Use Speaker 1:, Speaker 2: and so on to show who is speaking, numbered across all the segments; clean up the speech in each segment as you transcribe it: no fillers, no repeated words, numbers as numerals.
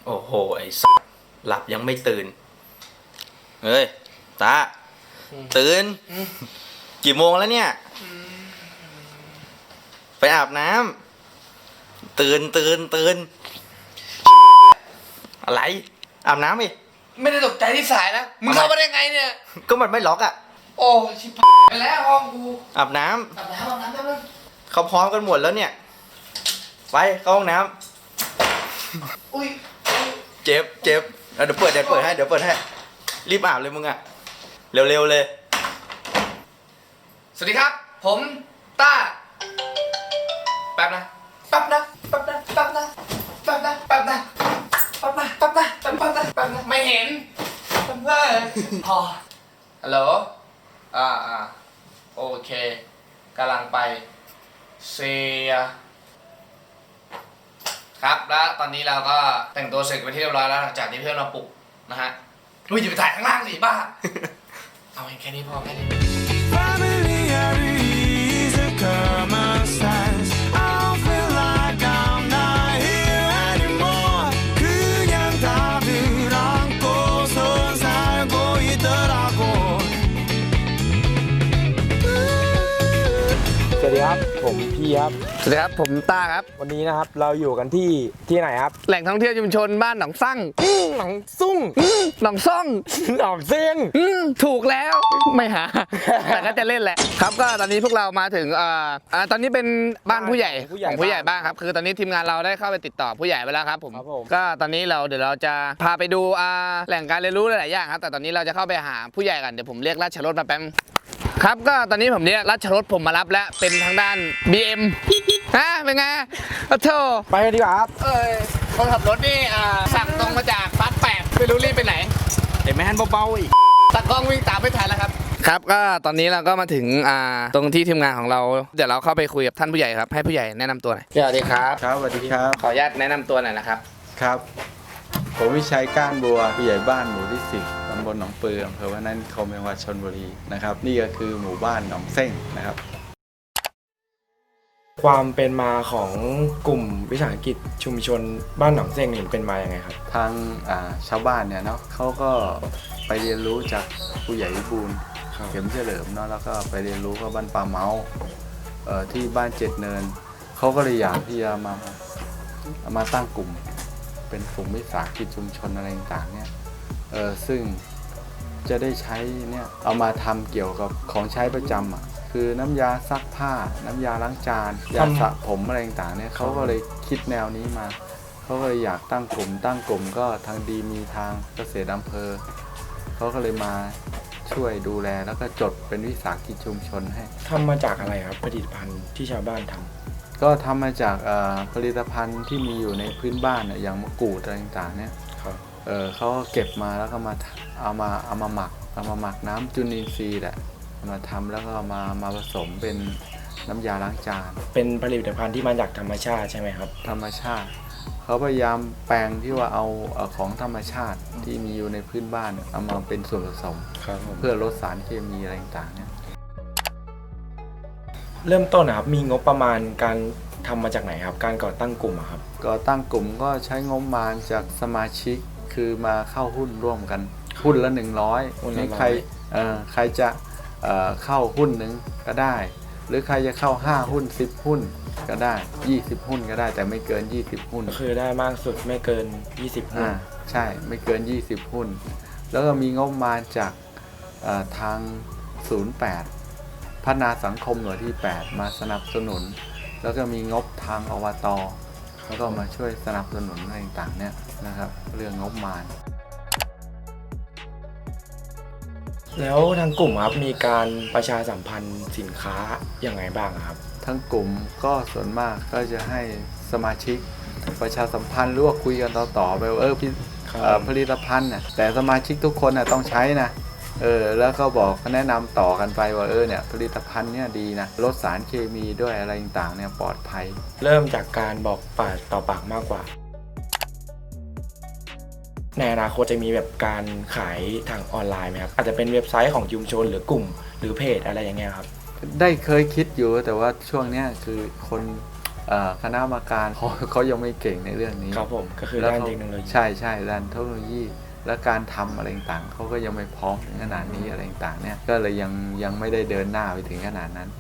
Speaker 1: โอ้โหไอ้สัสหลับยังไม่ตื่นเฮ้ยตาตื่นกี่โมงแล้วเนี่ยไปอาบน้ำตื่นอะไรอาบน้ำอีก
Speaker 2: ไม่ได้ตกใจที่สายนะมึงเข้ามาได้ไงเนี่ย
Speaker 1: ก็มันไม่ล็อกอ่ะ
Speaker 2: โอ้ชิบไปแล้วห้องกู
Speaker 1: อาบน้ำเขาพร้อมกันหมดแล้วเนี่ยไปเข้าห้องน้ำ
Speaker 2: อุ้ย
Speaker 1: เจ็บเดี๋ยวเปิดให้รีบอาบเลยมึงอ่ะเร็วเลย
Speaker 2: สวัสดีครับผมต้าแป๊บนะไม่เห็นพอฮัลโหลโอเคกำลังไปเซียครับแล้วตอนนี้เราก็แต่งตัวเสร็จไปที่เรียบร้อยแล้วหลังจากที่เพื่อนมาปลุกนะฮะอุ้ยอย่าไปถ่ายข้างล่างสิบ้า เอาแค่นี้พอแค่นี้
Speaker 3: common sense. I don't feel like I'm not here anymore. 그냥 답을 안고선 살고 있더라고.
Speaker 4: สวัสดีครับผมพี่ครับ
Speaker 2: สวัสดีครับผมต้าครับ
Speaker 4: วันนี้นะครับเราอยู่กันที่ไหนครับ
Speaker 2: แหล่งท่องเที่ยวชุมชนบ้านหนองซั่ง
Speaker 4: หนองซุ่ง
Speaker 2: หนองซ่อง
Speaker 4: หนองเซียง
Speaker 2: ถูกแล้วไม่หา แต่ก็จะเล่นแหละครับก็ตอนนี้พวกเรามาถึงตอนนี้เป็นบ้านผู้ใหญ่ของผู้ใหญ่บ้านครับคือตอนนี้ทีมงานเราได้เข้าไปติดต่อผู้ใหญ่ไปแล้วครับผมก็ตอนนี้เดี๋ยวเราจะพาไปดูแหล่งการเรียนรู้หลายๆอย่างครับแต่ตอนนี้เราจะเข้าไปหาผู้ใหญ่กันเดี๋ยวผมเรียกราชรถมาแป๊บครับก็ตอนนี้ผมเรียกราชรถผมมารับแล้วเป็นทางด้าน BM เป็นไงโอ้โธ่
Speaker 4: ไปกันดีกว่าครับ
Speaker 2: คนขับรถนี่สั่งตรงมาจากฟาสต์8ไม่รู้รีบไปไหน
Speaker 1: แต่แม่นเบาๆอีก
Speaker 2: ตากล้องวิ่งตามไม่ทันแล้วครับครับก็ตอนนี้เราก็มาถึงตรงที่ทีมงานของเราเดี๋ยวเราเข้าไปคุยกับท่านผู้ใหญ่ครับให้ผู้ใหญ่แนะนำตัวหน่อยสวัสดีครับ
Speaker 5: ครับสวัสดีครับ
Speaker 2: ขออนุญาตแนะนำตัวหน่อยนะครับ
Speaker 5: ครับ ผมวิชัยก้านบัวผู้ใหญ่บ้านหมู่ที่10ตำบลหนองปืออำเภอพนัสนิคมจังหวัดชลบุรีนะครับนี่ก็คือหมู่บ้านหนองเส้งนะครับ
Speaker 4: ความเป็นมาของกลุ่มวิสาหกิจชุมชนบ้านหนองเซียงนี่เป็นมาอย่างไงครับ
Speaker 5: ทางชาวบ้านเนี่ยเนาะเขาก็ไปเรียนรู้จากผู้ใหญ่วิบูลย์เข็มเฉลิมเนาะแล้วก็ไปเรียนรู้กับบ้านป่าเมาที่บ้านเจ็ดเนินเขาก็เลยอยากที่จะมาตั้งกลุ่มเป็นกลุ่มวิสาหกิจชุมชนอะไรต่างๆเนี่ยซึ่งจะได้ใช้เนี่ยเอามาทำเกี่ยวกับของใช้ประจำคือน้ำยาซักผ้าน้ำยาล้างจานยาสระผมอะไรต่างๆเนี่ยเขาก็เลยคิดแนวนี้มาเขาก็เลยอยากตั้งกลุ่มก็ทางดีมีทางเกษตรอำเภอเขาก็เลยมาช่วยดูแลแล้วก็จดเป็นวิสาหกิจชุมชนให้
Speaker 4: ทำมาจากอะไรครับผลิตภัณฑ์ที่ชาวบ้านทำ
Speaker 5: ก็ทำมาจากผลิตภัณฑ์ที่มีอยู่ในพื้นบ้านอย่างมะกรูดอะไรต่างๆเนี่ยเขาก็เก็บมาแล้วก็มาเอามาหมักน้ำจุลินทรีย์แหละมาทำแล้วก็มาผสมเป็นน้ำยาล้างจาน
Speaker 4: เป็นผลิตภัณฑ์ที่มาจากธรรมชาติใช่ไหมครับ
Speaker 5: ธรรมชาติเขาพยายามแปลงที่ว่าเอาของธรรมชาติที่มีอยู่ในพื้นบ้านเอามาเป็นส่วนผสมเพื่อลดสารเคมีอะไรต่างๆเนี่ย
Speaker 4: เริ่มต้นนะครับมีงบประมาณการทำมาจากไหนครับการก่อตั้งกลุ่มครับ
Speaker 5: ก่อตั้งกลุ่มก็ใช้งบประมาณจากสมาชิกคือมาเข้าหุ้นร่วมกันหุ้นละ100นี่ใครจะเข้าหุ้นหนึ่งก็ได้หรือใครจะเข้า5หุ้น10หุ้นก็ได้20หุ้นก็ได้แต่ไม่เกิน20หุ้น
Speaker 4: คือได้มากสุดไม่เกิน20หุ้น
Speaker 5: ใช่ไม่เกิน20หุ้นแล้วก็มีงบประมาณจากทาง08พัฒนาสังคมหน่วยที่8มาสนับสนุนแล้วก็มีงบทางอบตแล้วก็มาช่วยสนับสนุนอะไรต่างๆเนี่ยนะครับเรื่องงบประมาณ
Speaker 4: แล้วทางกลุ่มครับมีการประชาสัมพันธ์สินค้าอย่างไรบ้างครับ
Speaker 5: ทั้งกลุ่มก็ส่วนมากก็จะให้สมาชิกประชาสัมพันธ์หรือว่าคุยกันต่อไปว่าผลิตภัณฑ์น่ะแต่สมาชิกทุกคนน่ะต้องใช้นะแล้วก็บอกแนะนำต่อกันไปว่าเนี่ยผลิตภัณฑ์เนี่ยดีนะลดสารเคมีด้วยอะไรต่างๆเนี่ยปลอดภัย
Speaker 4: เริ่มจากการบอกปากต่อปากมากกว่าในอนาคตจะมีแบบการขายทางออนไลน์ไหมครับอาจจะเป็นเว็บไซต์ของชุมชนหรือกลุ่มหรือเพจอะไรอย่างเงี้ยครับ
Speaker 5: ได้เคยคิดอยู่แต่ว่าช่วงนี้คือคนคณะกรรมการเขายังไม่เก่งในเรื่องนี้
Speaker 4: ครับผมก็คือ
Speaker 5: แล้ว
Speaker 4: ด้าน
Speaker 5: เขา
Speaker 4: เทคโนโลยี
Speaker 5: ใช่ด้านเทคโนโลยีและการทำอะไรต่างๆเขาก็ยังไม่พร้อมถึงขนาดนี้อะไรต่างๆเนี่ยก็เลยยังไม่ได้เดินหน้าไปถึงขนาดนั้น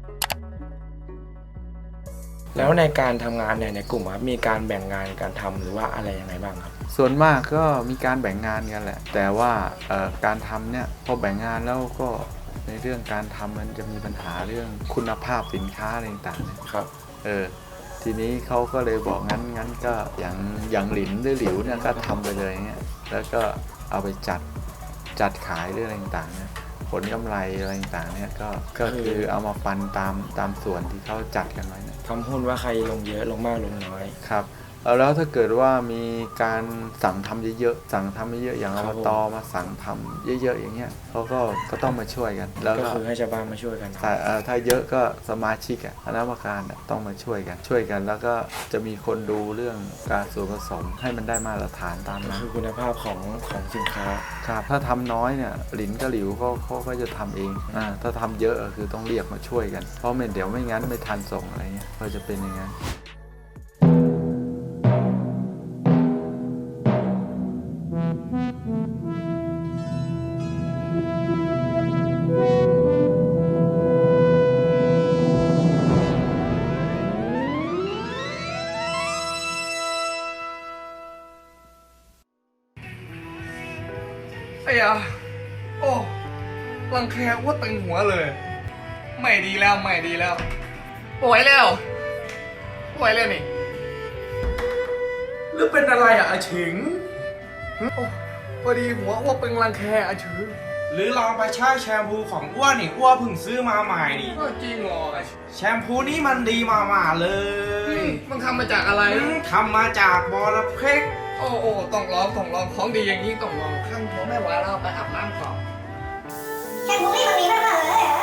Speaker 4: แล้วในการทำงานเนี่ยในกลุ่มครับมีการแบ่งงานการทำหรือว่าอะไรยังไงบ้างครับ
Speaker 5: ส่วนมากก็มีการแบ่งงานกันแหละ แต่ว่าการทำเนี่ยพอแบ่งงานแล้วก็ในเรื่องการทำมันจะมีปัญหาเรื่องคุณภาพสินค้าอะไรต่างๆเนี่ย
Speaker 4: ครับ
Speaker 5: ทีนี้เขาก็เลยบอกงั้นก็อย่างหลินหรือหลิวเนี่ยก็ทำไปเลยเนี่ยแล้วก็เอาไปจัดขายเรื่องอะไรต่างๆเนี่ยผลกำไรอะไรต่างๆเนี่ยก็คือเอามาปันตามส่วนที่เขาจัดกันไว้เนี่ย
Speaker 4: ทำหุ้นว่าใครลงเยอะลงมากลงน้อย
Speaker 5: ครับแล้วถ้าเกิดว่ามีการสั่งทำเยอะๆอย่าง
Speaker 4: ค
Speaker 5: อ
Speaker 4: รั
Speaker 5: บบ ต
Speaker 4: ผม
Speaker 5: มาสั่งทำเยอะๆอย่างเงี้ยเขาก็ต้องมาช่วยกัน แล้ว
Speaker 4: ก็
Speaker 5: ก็
Speaker 4: คือให้ชาวบ้านมาช่วยกัน
Speaker 5: ถ้าเยอะก็สมาชิกคณะกรรมการต้องมาช่วยกัน แล้วก็จะมีคนดูเรื่องการส่วนผสมให้มันได้มาตรฐานตาม
Speaker 4: ก็
Speaker 5: นั้น
Speaker 4: คือคุณภาพของสินค้า
Speaker 5: ครับถ้าทำน้อยเนี่ยหลินกับหลิวเขาก็จะทำเองถ้าทำเยอะคือต้องเรียกมาช่วยกันเพราะเดี๋ยวไม่งั้นไม่ทันส่งอะไรเงี้ยก็จะเป็นอย่างนั้น
Speaker 2: ไอ้ยาโอ้รังแคว่าตึงหัวเลย ไม่ดีแล้วป่วยแล้วนี่หรือเป็นอะไรอ่ะอาฉิงโอ้พอดีหัวว่าเป็นรังแคอาฉิง
Speaker 6: หรือลองไปใช้แชมพูของอ้วนนี่อ้วนเพิ่งซื้อมาใหม่นี่
Speaker 2: ก็จริงเหรออาฉิง
Speaker 6: แชมพูนี้มันดีมากๆเลย
Speaker 2: มันทำมาจากอะไร
Speaker 6: ทำมาจากบอระเพ็ก
Speaker 2: โอ้ต้องลองของดีอย่างนี้ต้องลองข้างหัวไม่ไหวแล้วไปอาบน้ำก่อน
Speaker 7: แค่ผมนี่มันมีมากๆเลยเหรอ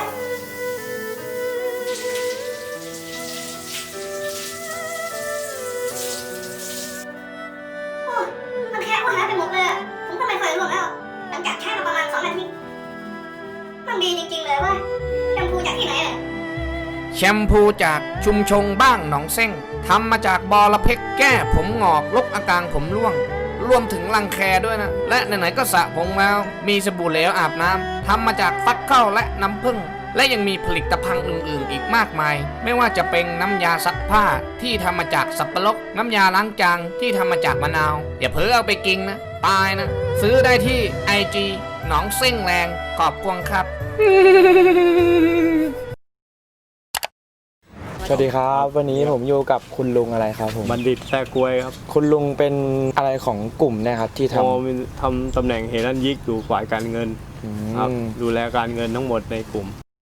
Speaker 7: โอ้มันแค่อ้วนหายไปหมดเลยอะผมก็ไม่เคยรู้แล้ว หลังจากใช้มาประมาณ2 อาทิตย์มันดีจริงๆเลยเว่าแชมพูจากที่ไหนอะ
Speaker 8: แชมพูจากชุมชงบ้างหนองเส้งทำมาจากบอระเพ็กแก้ผมงอกลบอาการผมร่วง รวมถึงรังแคด้วยนะ และไหนๆก็สระผมแล้วมีสบู่เหลวอาบน้ำทำมาจากฟักข้าวและน้ำผึ้งและยังมีผลิตภัณฑ์อื่นๆอีกมากมาย ไม่ว่าจะเป็นน้ำยาซักผ้าที่ทำมาจากสับปะรดน้ำยาล้างจานที่ทำมาจากมะนาวอย่าเพ้อเอาไปกินนะตายนะ ซื้อได้ที่ IG หนองเส้งแรงขอบคุณครับ
Speaker 4: สวัสดีครับวันนี้ผมอยู่กับคุณลุงอะไรครับผม
Speaker 9: บัณฑิตแท้กล้วยครับ
Speaker 4: คุณลุงเป็นอะไรของกลุ่มเนะครับที่ท
Speaker 9: มีทำตำแหน่งเฮรันยิกอยู่ฝ่ายการเงิน
Speaker 4: ำ
Speaker 9: ครับดูแลการเงินทั้งหมดในกลุ่ม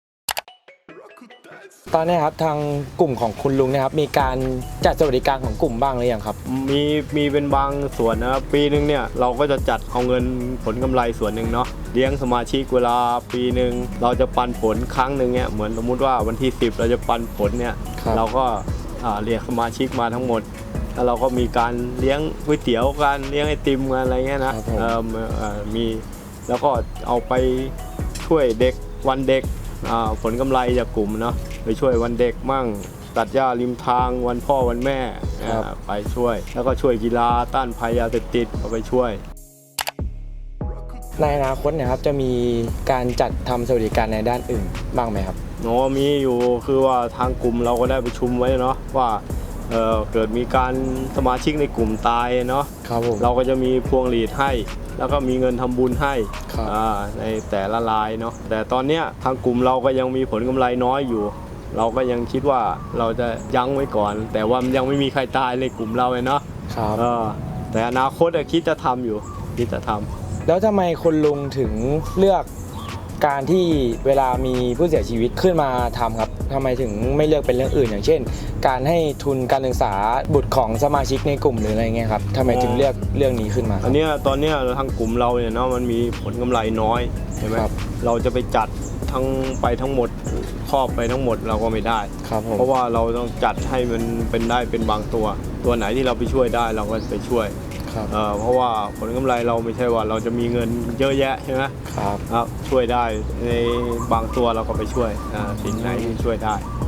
Speaker 4: ตอนนี้ครับทางกลุ่มของคุณลุงเนะครับมีการจัดสวัสดิการของกลุ่มบ้างหรือยังครับ
Speaker 9: มีเป็นบางส่วนนะครับปีหนึ่งเนี่ยเราก็จะจัดเอาเงินผลกำไรส่วนหนึ่งเนาะเลี้ยงสมาชิกเวลาปีหนึ่งเราจะปันผลครั้งหนึ่งเนี่ยเหมือนสมมุติว่าวันที่10เราจะปันผลเนี่ย
Speaker 4: ครับ
Speaker 9: เราก็เรียกสมาชิกมาทั้งหมดแล้วเราก็มีการเลี้ยงก๋วยเตี๋ยวกันเลี้ยงไอติมกันอะไรเงี้ยนะครับ
Speaker 4: ผม
Speaker 9: มีแล้วก็เอาไปช่วยเด็กวันเด็กผลกำไรจากกลุ่มเนาะไปช่วยวันเด็กมั่งตัดหญ้าริมทางวันพ่อวันแม่ไปช่วย แล้วก็ช่วยกีฬาต้านภัยยาเสพติดก็ไปช่วย
Speaker 4: ในอนาคตเนะครับจะมีการจัดทำสวัสดิการในด้านอื่นบ้างไหมครับ
Speaker 9: มีอยู่คือว่าทางกลุ่มเราก็ได้ประชุมไว้เนาะว่าเกิดมีการสมาชิกในกลุ่มตายเนาะ
Speaker 4: ครับผม
Speaker 9: เราก็จะมีพวงหลีดให้ แล้วก็มีเงินทำบุญให้
Speaker 4: ครับ
Speaker 9: ในแต่ละรายเนาะแต่ตอนเนี้ยทางกลุ่มเราก็ยังมีผลกำไรน้อยอยู่ เราก็ยังคิดว่าเราจะยั้งไว้ก่อน แต่ว่ามันยังไม่มีใครตายในกลุ่มเราเลยเนาะ
Speaker 4: ครับ
Speaker 9: แต่อนาคตคิดจะทำอยู่คิดจะทำ
Speaker 4: แล้วทำไมคุณลุงถึงเลือกการที่เวลามีผู้เสียชีวิตขึ้นมาทำครับทำไมถึงไม่เลือกเป็นเรื่องอื่น อย่างเช่น การให้ทุนการศึกษาบุตรของสมาชิกในกลุ่มหรืออะไรเงี้ยครับทำไมถึงเลือกเรื่องนี้ขึ้นมา
Speaker 9: อันเนี้ยตอนเนี้ยทางกลุ่มเราเนี่ยเนาะมันมีผลกำไรน้อยใช่ไหม
Speaker 4: ครับ
Speaker 9: เราจะไปจัดทั้งหมดครอบไปทั้งหมดเราก็ไม่ได้
Speaker 4: ครับผม
Speaker 9: เพราะว่าเราต้องจัดให้มันเป็นได้เป็นบางตัวไหนที่เราไปช่วยได้เราก็ไปช่วย
Speaker 4: ครับ
Speaker 9: เพราะว่าผลกำไรเราไม่ใช่ว่าเราจะมีเงินเยอะแยะใช่ไหม
Speaker 4: ครับ
Speaker 9: ครับช่วยได้ในบางตัวเราก็ไปช่วยสิ่งไหนที่ช่วยได้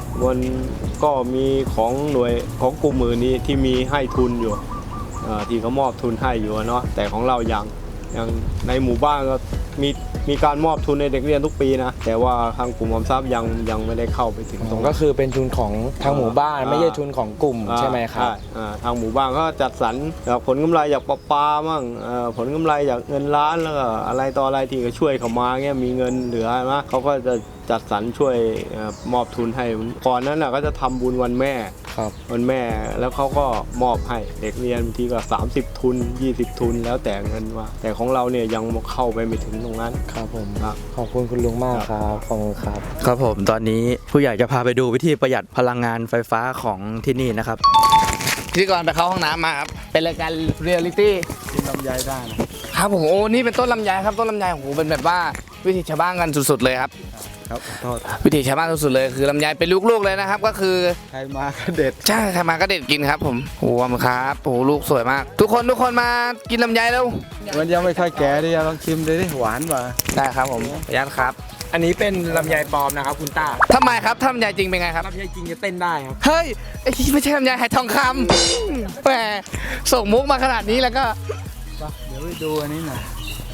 Speaker 9: มันก็มีของหน่วยของกลุ่มมือนี้ที่มีให้ทุนอยู่ที่เขามอบทุนให้อยู่เนาะแต่ของเรายังในหมู่บ้านก็มีการมอบทุนในเด็กเรียนทุกปีนะแต่ว่าทางกลุ่มออมทรัพย์ยังไม่ได้เข้าไปถึงตรง
Speaker 4: ก็คือเป็นทุนของทางหมู่บ้านไม่ใช่ทุนของกลุ่มใช่ไหมครับ
Speaker 9: ทางหมู่บ้านก็จัดสรรจากผลกำไรจากปลาปลามั่งผลกำไรจากเงินล้านแล้วก็อะไรต่ออะไรที่ก็ช่วยเขามาเงี้ยมีเงินเหลือนะเขาก็จะจัดสรรช่วยมอบทุนให้ก่อนนั้นก็จะทำบุญวันแม่วันแม่แล้วเขาก็มอบให้เด็กเรียนบางทีก็30 ทุน 20 ทุนแล้วแต่เงินว่าแต่ของเราเนี่ยยังเข้าไปไม่ถึงตรงนั้น
Speaker 4: ครับผมขอบคุณคุณลุงมากครับขอบคุณครับ
Speaker 1: ครับผมตอนนี้ผู้ใหญ่จะพาไปดูวิธีประหยัดพลังงานไฟฟ้าของที่นี่นะครับ
Speaker 2: พิธีกรไปเข้าห้องน้ำมาครับเป็นรายการเรียลลิตี้
Speaker 5: กินลำไยได้นะครับ
Speaker 2: ผมโอ้นี่เป็นต้นลำไยครับต้นลำไยโอ้โหเป็นแบบว่าวิถีชาวบ้านกันสุดๆเลยครับ
Speaker 5: ครับโทษ
Speaker 2: วิถีชาวบ้านสุดๆเลยคือลำไยเป็นลูกๆเลยนะครับก็คือ
Speaker 5: ใครมาก็เด็ด
Speaker 2: ใช่ใครมาก็เด็ดกินครับผมโอ้โหครับโอ้โหลูกสวยมาก ทุกคนมากินลำไยแล้ว
Speaker 5: มันยังไม่ค่อยแก่ดิลองชิมดูดิหวานป่ะ
Speaker 2: ได้ครับผมขออนุญาตครับ
Speaker 4: อันนี้เป็นลำไยปลอมนะครับคุณต้า
Speaker 2: ทำไมครับถ้าลำไยจริงเป็นไงครับ
Speaker 4: ลำไยจริงจะเต้นได้ครับ
Speaker 2: เฮ้ยไอ้ที่ไม่ใช่ลำไยไหทองคำแหมส่งมุกมาขนาดนี้แล้วก็
Speaker 5: เดี๋ยวไปดูอันนี้หน่อย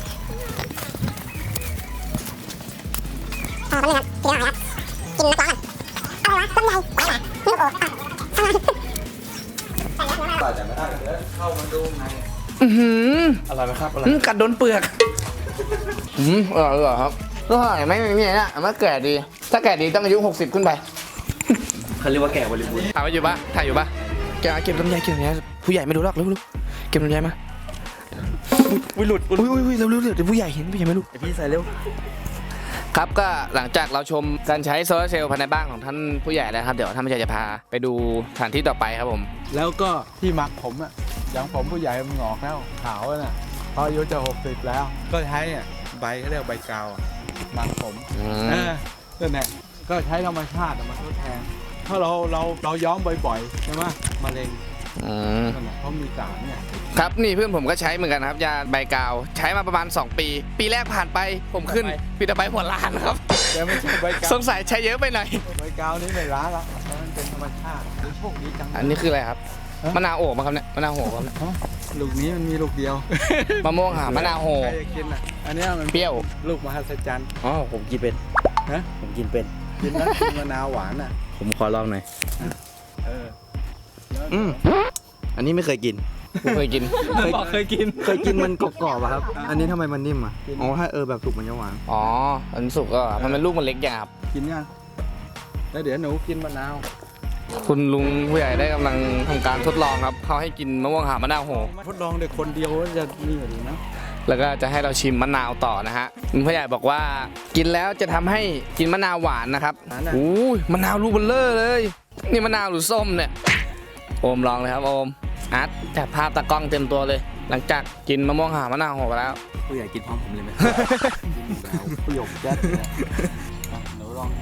Speaker 2: อื้อหือ
Speaker 4: อะไรไหมครับอะไร
Speaker 2: กัดโดนเปลือกอร่อยครับก็อร่อยไหมเนี่ยมันแก่ดี ถ้าแก่ดีต้องอายุ60ขึ้นไป
Speaker 4: เขาเรียกว่าแก่บริบูรณ์
Speaker 2: ถ่ายอยู่ปะถ่ายอยู่ปะเก็บลำไยผู้ใหญ่ไม่รู้หรอกเร็วเก็บลำไยมา
Speaker 4: หลุด
Speaker 2: อุ้ยเร็วเดี๋ยวผู้ใหญ่เห็นผู้ใหญ่ไม่รู้
Speaker 4: พี่ใส่เร็ว
Speaker 2: ครับก็หลังจากเราชมการใช้โซลาร์เซลล์ภายในบ้านของท่านผู้ใหญ่แล้วครับเดี๋ยวท่านผู้ใหญ่จะพาไปดูสถานที่ต่อไปครับผม
Speaker 5: แล้วก็ที่หมักผมอ่ะอย่างผมผู้ใหญ่มันงอกแล้วขาวน่ะพออายุจะ60แล้ว ก็ใช้ใบเขาเรียกใบกาวหมักผมนั่นแหละก็ใช้ธรรมชาติมาทดแทนถ้าเราย้อมบ่อยๆใช่ไหมมะเร็งนั่นแหละเพราะมีสารเนี่ย
Speaker 2: ครับนี่เพื่อนผมก็ใช้เหมือนกันครับยาใบกาวใช้มาประมาณ2 ปีปีแรกผ่านไปผมขึ้นปีต่อไปหัวล้านครับ
Speaker 5: แต่ไม่ใช่ใบกาว
Speaker 2: สงสัยใช้เยอะไปหน่อย
Speaker 5: ใบกาวนี่ไม่ล้าละเพราะมันเป็นธรรมชาติโชคดีจัง
Speaker 2: อันนี้คืออะไรครับมะนาวโอบมาครับเนี่ยมะนาวโหครับเนี่ย
Speaker 5: ลูกนี้มันมีลูกเดียว
Speaker 2: มะม่วงหามะนาวโห
Speaker 5: ใครจะกินอ่ะอันเนี้ยมัน
Speaker 2: เปรี้ยว
Speaker 5: ลูกมหัศจรรย์
Speaker 1: อ๋อผมกินเป็น
Speaker 5: ฮะ
Speaker 1: ผมกินเป็น
Speaker 5: กินแล้วกินมะนาวหวานอ่ะ
Speaker 1: ผมขอลองหน่อย
Speaker 5: เออแล้ว
Speaker 1: อันนี้ไม่เคยกิน
Speaker 2: ผมเคยกิน
Speaker 1: เคยกินมันกรอบๆอะครับ อันนี้ทำไมมันนิ่มอ่ะอ๋อถ้าแบบสุกมันจะหวาน
Speaker 2: อ๋ออันสุกก็มันเป็นลูกมันเล็กอย่างครับ
Speaker 5: กินยังแล้วเดี๋ยวหนูกินมะนาว
Speaker 2: คุณลุงผู้ใหญ่ได้กำลังทำการทดลองครับเขาให้กินมะม่วงหามะนาวโห
Speaker 5: ทดลองเด็กคนเดียวจะนี่หรือนะ
Speaker 2: แล้วก็จะให้เราชิมมะนาวต่อนะฮะคุณผู้ใหญ่บอกว่ากินแล้วจะทำให้กินมะนาวหวานนะครับอู้ยมะนาวลูกเบลเลอร์เลย นี่มะนาวหรือส้มเนี่ยโอมลองเลยครับโอมอาร์ตจับภาพตากล้องเต็มตัวเลย หลังจากกินมะม่วงหามะนาวโหไปแล้ว
Speaker 1: ผู้ใหญ่กินพร้อมผมเลยไหม
Speaker 5: ประโยคแจ๊ดเลยอ่ะหนูลอง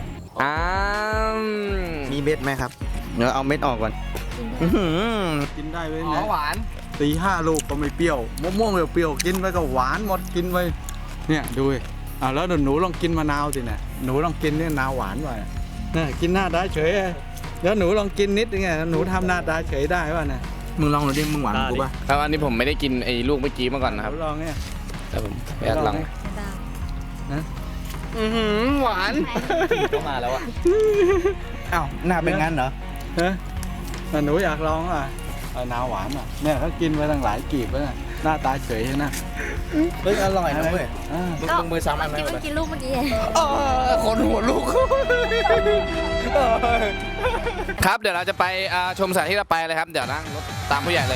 Speaker 1: มีเม็ดไหมครับเดี๋ยวเอาเม็ดออกก่อน
Speaker 5: กินได้ไหม
Speaker 2: อ๋อ
Speaker 5: เนี่ย
Speaker 2: หวาน
Speaker 5: 4-5 ลูกก็ไม่เปรี้ยวมะม่วงเปรี้ยวๆกินไปก็หวานหมดกินไปเนี่ยดูดิแล้วหนูลองกินมะนาวสิเนี่ยหนูลองกินเนี่ยมะนาวหวานว่ะเนี่ยกินหน้าได้เฉยแล้วหนูลองกินนิดนึงไงหนูทำหน้าได้เฉยได้ป่ะเนี่ย
Speaker 1: มึงลองหน่อยดิมึงหวานกูป่ะ
Speaker 2: ครับอันนี้ผมไม่ได้กินไอ้ลูกเมื่อกี้มาก่อนนะค
Speaker 5: ห
Speaker 2: รับ
Speaker 5: นูลองเนี่ย
Speaker 2: แต่ผมอยากลอง
Speaker 5: นะ
Speaker 2: หวาน
Speaker 1: ต้องมาแล้วอ่ะอ้าวหน้าเป็นงั้นเหรอ
Speaker 5: ฮะหนูอยากลองอ่ะนาวหวานอ่ะเนี่ยเขากินไปตั้งหลายกีบแล้วนะหน้าตาเฉยนะ
Speaker 1: เฮ้ยอร่อยนะเว้ย
Speaker 2: ลงมือซ้ำอันไหม
Speaker 10: เมื่อกี้ลูกเมื่อกี้
Speaker 2: คนหัวลูก ครับเดี๋ยวเราจะไปชมสถานที่เราไปเลยครับ เดี๋ยวนั่งรถตามผู้ใหญ่เลย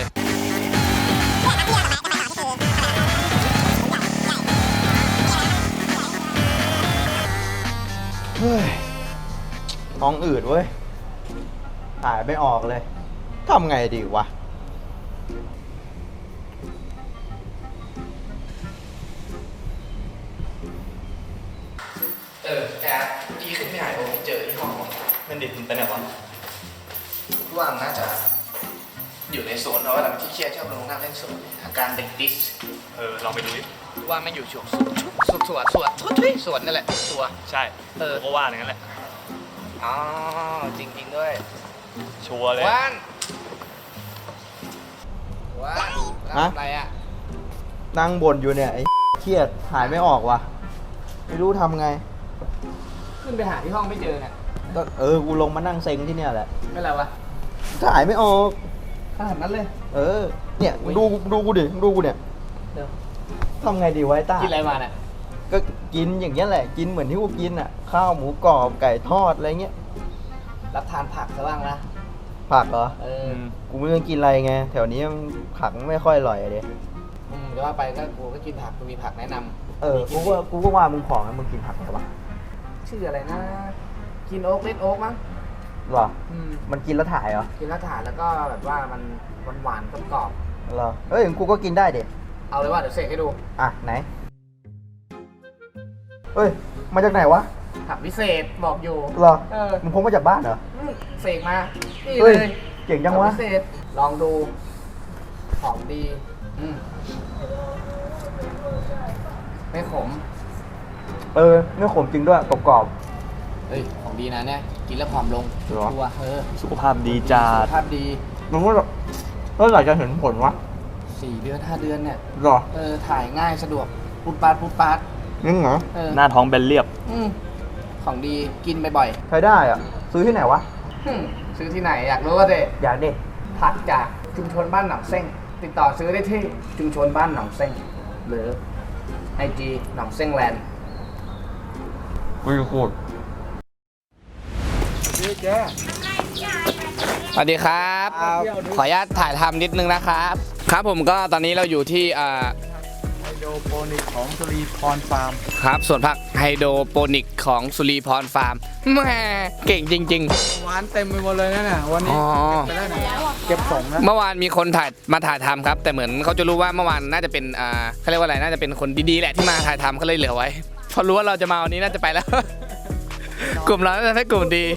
Speaker 1: เฮ้ยท้องอืดเว้ยถ่ายไม่ออกเลยทำไงดีวะ
Speaker 2: แอดดีขึ้นไม่หายโอ้เจอที่ห้อง
Speaker 1: มันดิบไปไหนวะ
Speaker 2: ว่างน่าจะอยู่ในสวนเพราะว่าหลังที่เครียดชอบลงนั่งเล่นสวนอาการเด็กดิส
Speaker 11: ลองไปดูดิ
Speaker 2: ว่าไม่อยู่สวนสวนนั่นแหละตัว
Speaker 11: ใช่ผมก็ว่าอย่างนั้นแหละ
Speaker 2: อ๋อจริงๆด้วย
Speaker 9: ชัวร์เลย
Speaker 2: วันทำอะไรอ่ะ
Speaker 10: นั่งบ่นอยู่เนี่ยไอ้เครียดหายไม่ออกว่ะ ไม่รู้ทำไง
Speaker 2: ขึ้นไปหาที่ห้องไม่เจอเนี่ย
Speaker 10: ก็กูลงมานั่งเซ็งที่เนี่ยแหละ
Speaker 2: ไม่อะไรวะ
Speaker 10: ก็หายไม่ออก
Speaker 2: ขนาดนั้นเลย
Speaker 10: เนี่ยดูกูดิดูกูเนี่ย
Speaker 2: เดี๋ยว
Speaker 10: ทำไงดีไวะไอ้ต้า
Speaker 2: กินอะไรมาเนี่ย
Speaker 10: ก็กินอย่างเงี้ยแหละ กินเหมือนที่กูกินอ่ะ ข้าวหมูกรอบไก่ทอดอะไรเงี้ย
Speaker 2: รับทานผักซะบ้างนะ
Speaker 10: ผักเหรอ
Speaker 2: กู
Speaker 10: กูไม่รู้กินอะไรไง แถวนี้ผักไม่ค่อยอร่อยอะเด็
Speaker 2: จะว่าไปก็กูก็กินผักกูมีผักแนะนำ
Speaker 10: กูก็ว่ามึงผอมนะมึงกินผักเหรอวะ
Speaker 2: ชื่ออะไรนะ กินโอ๊กเล่นโอ๊กมั้ง
Speaker 10: หรอ มันกินแล้วถ่ายเหรอ
Speaker 2: กินแล้วถ่านแล้วก็แบบว่ามันหวานๆกรอบ
Speaker 10: หรอกูก็กินได้เด็
Speaker 2: ๆเอาเลยว่าเดี๋ยวเสกให้ดู
Speaker 10: อ่ะไหนมาจากไหนวะ
Speaker 2: ผักพิเศษบอกอยู่
Speaker 10: หรอ
Speaker 2: มึ
Speaker 10: มึงพกมาจากบ้านเหรอ
Speaker 2: เสกมานี่
Speaker 10: เฮ้
Speaker 2: เลย ย
Speaker 10: เก่งจังวะ
Speaker 2: ผักพิเศษลองดูหอมดีไม่ขม
Speaker 10: ไม่ขมจริงด้วยกรอบ
Speaker 2: เฮ้ยของดีนะเนี่ยกินแล้วผอมลง
Speaker 10: หรอ
Speaker 2: ชัวร์
Speaker 10: สุขภาพดีจัด
Speaker 2: สุขภาพดี
Speaker 10: มึงว่าเมื่อไหร่จะเห็นผลวะ
Speaker 2: 4 เดือน 5 เดือนเนี่ย
Speaker 10: หรอ
Speaker 2: ถ่ายง่ายสะดวกปุ๊บปาด
Speaker 10: นี่เหรอ
Speaker 9: หน้าท้องแบนเรียบ
Speaker 2: ของดีกินบ่อย
Speaker 10: ใช้ได้อ่ะ ซื้อที่ไหนวะ
Speaker 2: ๆซื้อที่ไหนอยากรู้ว่าเด็
Speaker 10: อยากดิ
Speaker 2: ผักจากชุมชนบ้านหนองเส้งติดต่อซื้อได้ที่ชุมชนบ้านหนองเส้งหรือ IG หนองเส้งแลนด์
Speaker 10: กูจะพูด
Speaker 2: สวัสดีครับ ขออนุญาตถ่ายทำนิดนึงนะครับ ครับผมก็ตอนนี้เราอยู่ที่
Speaker 5: ไฮโดรโปนิกของสุรีพรฟาร์ม
Speaker 2: ครับสวนผักไฮโดรโปนิกของสุรีพรฟาร์มแหม่เก่งจริง
Speaker 5: หวานเต็มไปหมดเลยนะเนี่ยวัน
Speaker 2: ๆ
Speaker 5: นี้
Speaker 2: อ๋อ
Speaker 5: ไปได้ไหนเก็บส่งนะ
Speaker 2: เมื่อวานมีคนมาถ่ายทำครับ แต่เหมือนเขาจะรู้ว่าเมื่อวานน่าจะเป็นเขาเรียกว่าอะไรน่าจะเป็นคนดีๆแหละที่มาถ่ายทำเขาเลยเหลือไว้พอรู้ว่าเราจะมาวันนี้น่าจะไปแล้ว กลุ่มเราน่าจะให้กลุ่มดี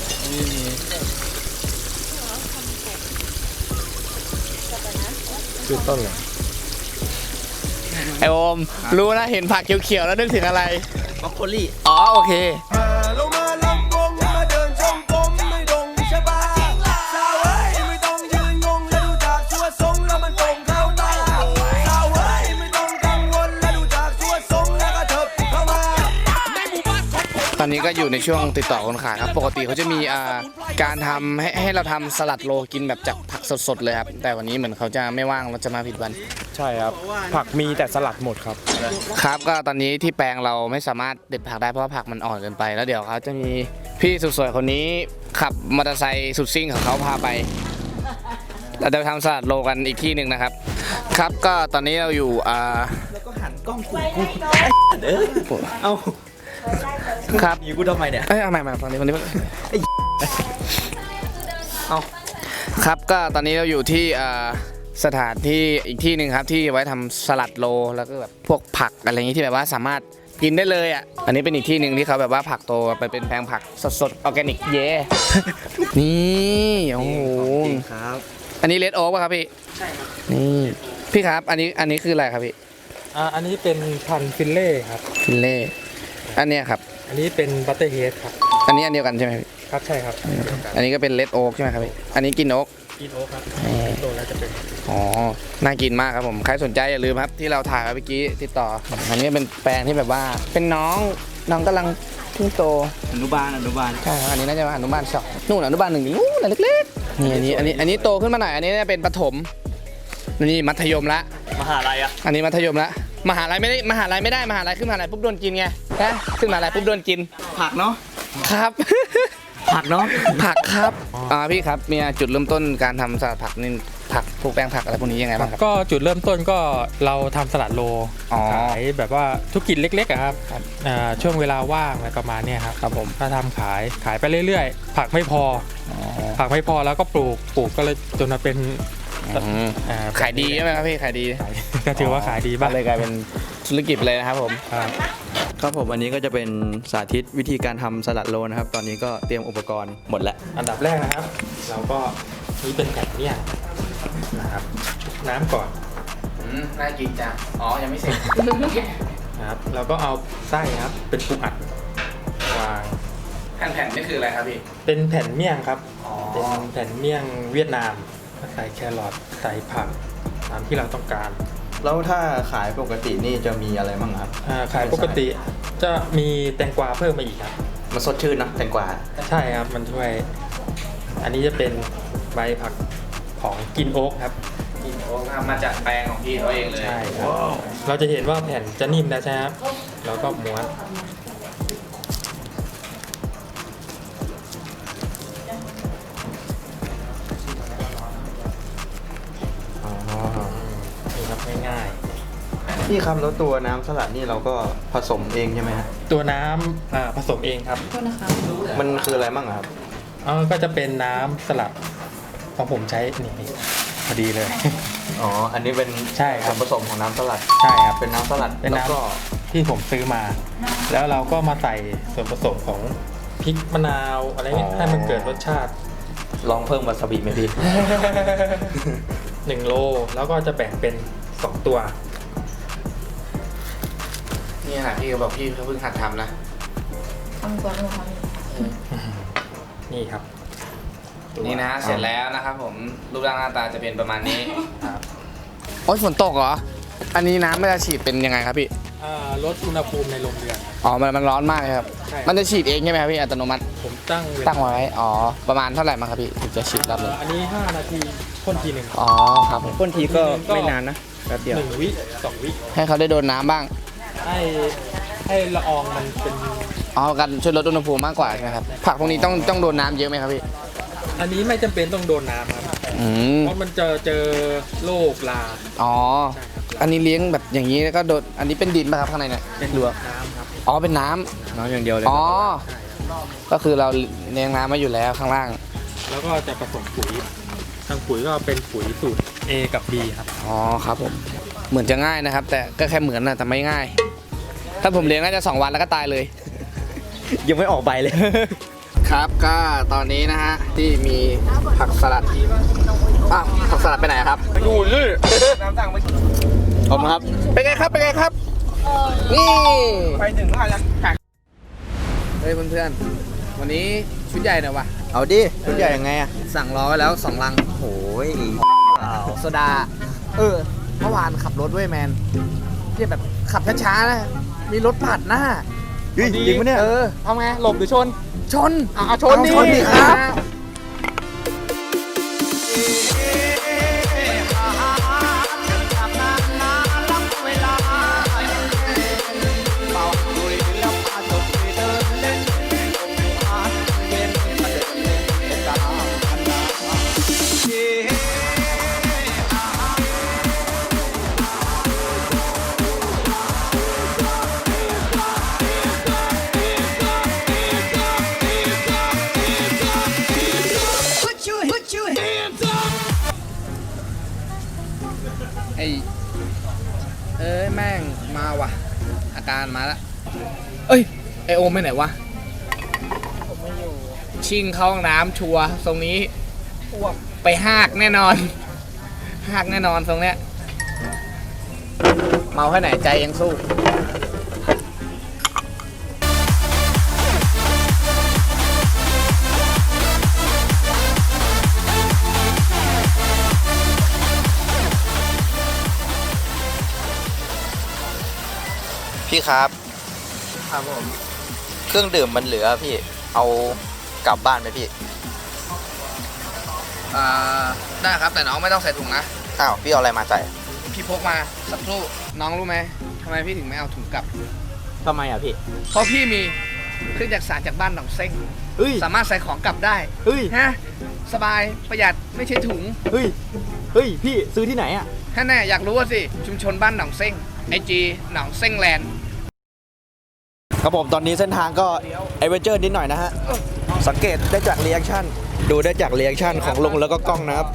Speaker 2: คือต้นเลยไอโอมรู้นะเห็นผักเขียวๆแล้วนึกถึงอะไร
Speaker 1: บรอกโคลี่
Speaker 2: อ๋อโอเค
Speaker 3: ลงมาลำวงมาเดินจงกรมไม่ดงใช่ปะสาวเอ้ยไม่ต้องยืนงงและดูจากชัวทรงแล้วมันตรงเข้าตาสาวเอ้ยไม่ต้องกังวลและดูจากชัวทรงแล้วก็เถิบเข้ามาในหมู่บ้านของผม
Speaker 2: ตอนนี้ก็อยู่ในช่วงติดต่อคนขายครับปกติเขาจะมีการทำให้เราทำสลัดโลกินแบบจากผักสดๆเลยครับแต่วันนี้เหมือนเขาจะไม่ว่างเราจะมาผิดวัน
Speaker 4: ใช่ครับ ผักมีแต่สลัดหมดครับ
Speaker 2: ครับก็ตอนนี้ที่แปลงเราไม่สามารถเด็ดผักได้เพราะว่าผักมันอ่อนเกินไปแล้วเดี๋ยวเขาจะมีพี่สุดสวยคนนี้ขับมอเตอร์ไซค์สุดซิ่งของเขาพาไปเราจะไปทำสลัดโลกันอีกที่หนึ่งนะครับ ครับก็ตอนนี้เราอยู่
Speaker 1: แล้วก็หันกล้องกูเอา
Speaker 2: ครับ
Speaker 1: อยู่กูทำไมเนี่ย
Speaker 2: เอาใหม่ตอนนี้เอาครับก็ตอนนี้เราอยู่ที่สถานที่อีกที่หนึ่งครับที่ไว้ทำสลัดโลแล้วก็แบบพวกผักอะไรอย่างนี้ที่แบบว่าสามารถกินได้เลยอ่ะอันนี้เป็นอีกที่หนึ่งที่เขาแบบว่าผักโตไปเป็นแปลงผักสดๆออร์แกนิกเย่ นี่โอ้โห
Speaker 1: ครับ
Speaker 2: อันนี้เลดโอ๊กป่ะครับพี่ใช่ครับนี่พี่ครับอันนี้คืออะไรครับพี่
Speaker 4: อันนี้เป็นพันธุ์ฟิลเล่ครับ
Speaker 2: ฟิลเล่อันเนี้ยครับ
Speaker 4: อันนี้เป็นบัตเตอร์เฮดครับ
Speaker 2: อันนี้อันเดียวกันใช่ไหมพี่
Speaker 4: ครับใช่ครับ
Speaker 2: อันนี้ก็เป็นเลดโอ๊กใช่ไหมครับพี่อันนี้กินโอ๊ก
Speaker 4: กินโอ๊คครับโตแล้วจะเป็น
Speaker 2: อ๋อ น่ากินมากครับผม ใครสนใจอย่าลืมครับที่เราถ่ายไว้เมื่อกี้ติดต่อ อันนี้เป็นแปลงที่แบบว่า เป็นน้องกำลังเพิ่งโต
Speaker 1: อนุบาล
Speaker 2: ใช่ครับอันนี้น่าจะอนุบาลสองนู่นอนุบาลหนึ่งนี่นู่นเล็กๆนี่อันนี้โตขึ้นมาหน่อย อันนี้เป็นประถม นี่มัธยมละ
Speaker 9: มหาลัยอะ
Speaker 2: อันนี้มัธยมละมหาลัยไม่ได้มหาลัยขึ้นมหาลัยปุ๊บโดนกินไงนะขึ้นมหาลัยปุ๊บโดนกิน
Speaker 1: ผักเนาะ
Speaker 2: ครับ
Speaker 1: ผักเนาะ
Speaker 2: ผักครับพี่ครับมีจุดเริ่มต้นการทำสลัดผักนี่ผักพวกแปลงผักอะไรพวกนี้ยังไงบ้างครับ
Speaker 11: ก็จุดเริ่มต้นก็เราทำสลัดโล
Speaker 2: อ๋อ
Speaker 11: ขายแบบว่าธุรกิจเล็กๆอะครับช่วงเวลาว่างอะไรประมาณเนี้ยครับ
Speaker 2: ครับผม
Speaker 11: ก็ทำขายไปเรื่อยๆ ผักไม่พอแล้วก็ปลูกก็เลยจนมาเป็น
Speaker 2: ขายดีใช่ไหมครับพี่ขายดี
Speaker 11: ก็ถือว่าขายดีบ้าง
Speaker 2: เลยกลายเป็นธุรกิจเลยนะครับผม
Speaker 1: ครับผมอันนี้ก็จะเป็นสาธิตวิธีการทำสลัดโลนะครับ ตอนนี้ก็เตรียมอุปกรณ์หมดแล้ว
Speaker 11: อันดับแรกนะครับ เราก็นี่เป็นแผ่นเนี่ยนะครับน้ำก่อน
Speaker 2: น่ากินจังอ๋อยังไม่เสร็จ
Speaker 11: นะครับเราก็เอาไส้ครับเป็นปูอัดวาง
Speaker 2: แผ่นๆนี่คืออะไรครับพี่
Speaker 11: เป็นแผ่นเมี่ยงครับเป็นแผ่นเมี่ยงเวียดนามใส่แครอทใส่ผักตามที่เราต้องการ
Speaker 10: แล้วถ้าขายปกตินี่จะมีอะไรบ้างครับ
Speaker 11: ขายปกติจะมีแตงกวาเพิ่มมาอีกครับ
Speaker 1: มันสดชื่นนะแตงกวา
Speaker 11: ใช่ครับมันช่วย อันนี้จะเป็นใบผักของกินโอ๊กครับ
Speaker 2: กินโอ๊กทำมาจากแปลงของพี่เขาเองเลย
Speaker 11: ใช่ครับเราจะเห็นว่าแผ่นจะนิ่มนะใช่ไหมครับแล้วก็ม้วนนี่ครับง่าย
Speaker 10: พี่ครับแล้วตัวน้ำสลัดนี่เราก็ผสมเองใช่ไหมฮะ
Speaker 11: ๆตัวน้ำผสมเองครับ
Speaker 10: มันคืออะไรบ้างครับ
Speaker 11: ก็จะเป็นน้ำสลัดของผมใช้นี่พอดีเลย
Speaker 1: อ๋อ อันนี้เป็น
Speaker 11: ใช่ครับ
Speaker 1: ผสมของน้ำสลัด
Speaker 11: ใช่ครับ
Speaker 1: เป็นน้ำสลัด
Speaker 11: เป็น
Speaker 1: แล้ว
Speaker 11: น้
Speaker 1: ก็
Speaker 11: ำที่ผมซื้อมา แล้วเราก็มาใส่ส่วนผสมของพริกมะนาวอะไรเงี้ยให้มันเกิดรสชาติ
Speaker 1: ลองเพิ่มวาซาบิไหมพี่
Speaker 11: 1 โลแล้วก็จะแบ่งเป็น 2 ตัว
Speaker 2: นี่ค่ะพี่เขาบอกพี่เขาเพิ่งหัดทำนะ
Speaker 11: นี่ครับ
Speaker 2: นี่นะเสร็จแล้วนะครับผมรูปร่างหน้าตาจะเป็นประมาณนี้
Speaker 11: ครับ
Speaker 2: โอ้ยฝนตกเหรอ อันนี้น้ำมันจะฉีดเป็นยังไงครับพี่
Speaker 11: ลดอุณหภูมิในโรงเรือน
Speaker 2: อ๋อ มันร้อนมากเลยครับ
Speaker 11: ใช่
Speaker 2: มันจะฉีดเองใช่ไหมครับพี่อัตโนมัติ
Speaker 11: ผมตั้งเวลา
Speaker 2: ตั้งไว้ อ๋อ ประมาณเท่าไหร่มาครับพี่ถึงจะฉีดรอบนึง
Speaker 11: อันนี้ 5 นาทีพ่นทีหนึ่ง
Speaker 2: อ๋อครับผม
Speaker 10: พ่นทีก็ไม่นานนะแป๊บเดียว
Speaker 11: 1 วิ 2 วิ
Speaker 2: ให้เขาได้โดนน้ำบ้าง
Speaker 11: ให้ละอองมันเป็น
Speaker 2: อ๋อกันช่วยลดอุณหภูมิมากกว่าใช่ไหมครับ ผักพวกนี้ต้องโดนน้ำเยอะไหมครับพี่
Speaker 11: อันนี้ไม่จำเป็นต้องโดนน้ำครับ
Speaker 2: อืม
Speaker 11: เพราะมันเจอโรคลา
Speaker 2: อ๋อ
Speaker 11: ใช่ครับ
Speaker 2: อันนี้เลี้ยงแบบอย่างนี้แล้วก็โดน อันนี้เป็นดินป่ะครับข้างในเนี่ย
Speaker 11: เป็น
Speaker 2: หรือว่า
Speaker 11: น้ำครับ
Speaker 2: อ๋อ เป็นน้ำ
Speaker 10: น้ำอย่างเดียวเลย
Speaker 2: อ๋อ
Speaker 11: ใช่ครับ
Speaker 2: ก็คือเราเลี้ยงน้ำมาอยู่แล้วข้างล่าง
Speaker 11: แล้วก็จะผสมปุ๋ยทางปุ๋ยก็เป็นปุ๋ยสูตร A กับ B ครับ
Speaker 2: อ๋อครับผม เหมือนจะง่ายนะครับ แต่ก็แค่เหมือนนะแต่ไม่ง่าย ถ้าผมเลี้ยงน่าจะ2 วันแล้วก็ตายเลย
Speaker 10: ยังไม่ออกใบเลย
Speaker 2: ครับก็ตอนนี้นะฮะที่มีผักสลัดอ้าวผักสลัดไปไหนครับดูนี่น้ำสั่งไปขอบคุณครับเป็นไงครับเป็นไงครับนี่ไปถึงแล้วยังเฮ้ยเพื่อนๆวันนี้ชุดใหญ่หน่อยวะ
Speaker 10: เอาดิชุดใหญ่ยังไงอะ
Speaker 2: สั่งรอไว้แล้ว2 ลัง
Speaker 10: โอ้ย
Speaker 2: โซดาเมื่อวานขับรถด้วยแมนที่แบบขับช้าๆนะมีรถปาดหน้า
Speaker 10: จริงปะเนี่ย
Speaker 2: ทำไงหลบหรือชน ชนชน
Speaker 10: ชนดิครับ
Speaker 2: แม่งมาว่ะ อาการมาแล้วเอ้ยไอโอมไปไหนวะชิงเข้าห้องน้ำชัวร์ตรงนี้ไปหากแน่นอนหากแน่นอนตรงเนี้ยเมาแค่ไหนใจยังสู้
Speaker 1: พี่ครับ
Speaker 2: ครับผม
Speaker 1: เครื่องดื่มมันเหลือพี่ เอากลับบ้านไหมพี่
Speaker 2: ได้ครับแต่น้องไม่ต้องใส่ถุงนะ
Speaker 1: อ้าว พี่เอาอะไรมาใส่
Speaker 2: พี่พกมาสักครู่น้องรู้ไหมทำไมพี่ถึงไม่เอาถุงกลับ
Speaker 10: ทำไมอะพี่
Speaker 2: เพราะพี่มีเครื่องจักรสานจากบ้านหนองเซ้ง
Speaker 10: เฮ้ย
Speaker 2: สามารถใส่ของกลับได้
Speaker 10: เฮ้ย
Speaker 2: ฮะสบายประหยัดไม่ใช่ถุง
Speaker 10: เฮ้ยพี่ซื้อที่ไหนอะ
Speaker 2: ถ้าแน่อยากรู้ว่าสิชุมชนบ้านหนองเซ้งIG หนองเซ้งแลนด์
Speaker 10: ครับผมตอนนี้เส้นทางก็เอเวอเจอร์นิดหน่อยนะฮะ สังเกตได้จากรีแอคชั่นดูได้จากรีแอคชั่นของลุงแล้วก็กล้องนะครับ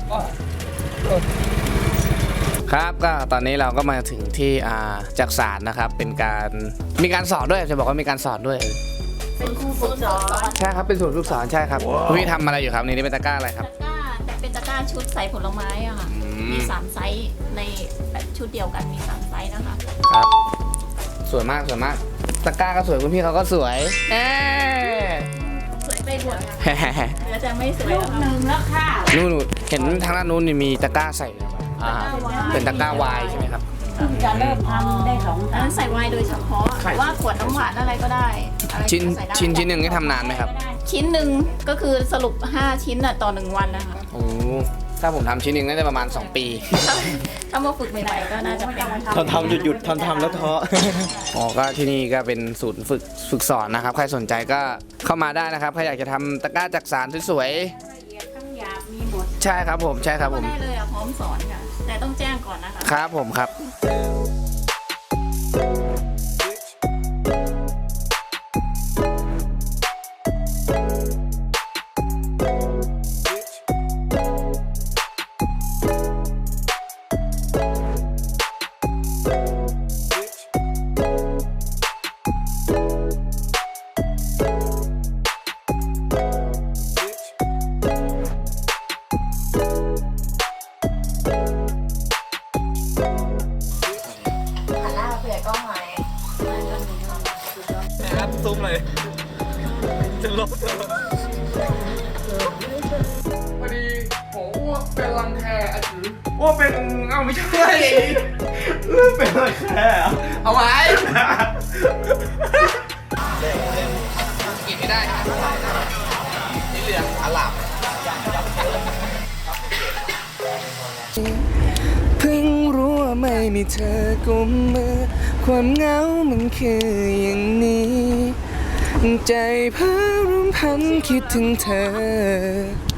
Speaker 2: ครับก็ตอนนี้เราก็มาถึงที่จักสานนะครับเป็นการมีการสอนด้วยจะบอกว่ามีการสอนด้วย
Speaker 12: เป็นครูฝึกสอน
Speaker 2: ใช่ครับเป็นศูนย์ฝึกสอนใช่ครับคุณพี่ทำอะไรอยู่ครับนี่เป็นตะกร้าอะไรครับ
Speaker 12: ตะกร้าเป็นตะกร้าชุดใส่ผลไม้อะค่ะ มี3ไซส์ในแบบชุดเดียวกันมี3ไซส์นะคะ
Speaker 2: ครับสวยมากสวยมากตะกร้าก็สวยคุณพี่เขาก็สวย
Speaker 12: ไม่รวดเหลือแต่ไม่สวยแล้วค่ะ
Speaker 2: นู่นเห็นทางด้านนู้นนี่มีตะกร้าใส่เป็นตะกร้าวายใช่ไหมครับ
Speaker 12: จะเริ่มทำได้2 อันนั้นใส่ไวน์โดยเฉพาะหรือว่าขวดน้ำหวานอะไรก็ได้อะไร
Speaker 2: ชิ้น
Speaker 12: ก็ใส่ได้
Speaker 2: ชิ้นหนึ่งนี่ทำนานไหมครับ
Speaker 12: ชิ้นหนึ่งก็คือสรุป5 ชิ้นต่อ1 วันนะคะ
Speaker 2: โอ้ถ้าผมทำชิ้นหนึ่งน่าจะประมาณ 2 ปี
Speaker 12: ถ้ามาฝึกใหม่ๆก็น่าจะเป็น
Speaker 10: ทำหยุดทำแล้วท้อ
Speaker 2: อ๋อ ก็ที่นี่ก็เป็นศูนย์ฝึกสอนนะครับ ใครสนใจก็เข้ามาได้นะครับ ใครอยากจะทำตะกร้าจักสานสวยๆใช่ครับผมใช่ครับผม
Speaker 12: ได้เลยพร้อมสอนค่ะแต่ต้องแจ้งก่อนนะคะ
Speaker 2: ครับผมครับ
Speaker 12: หันหน้าเผื่อกล้องหน่อย
Speaker 1: ครับซุ้มเลยจะลบ
Speaker 2: พอดีโอ้อ้วกเป็นรังแคอ่ะถืออ้วกเป็นเอ้าไม่ใช่
Speaker 10: เป็นอะไรแค่
Speaker 2: เอาไว้กินไม่ได้นะสีเหลืองอลามเพิ่งรู้ว่าไม่มีเธอกุมมือความเหงามันคืออย่างนี้ใจเพ้อรำพันคิดถึงเธอ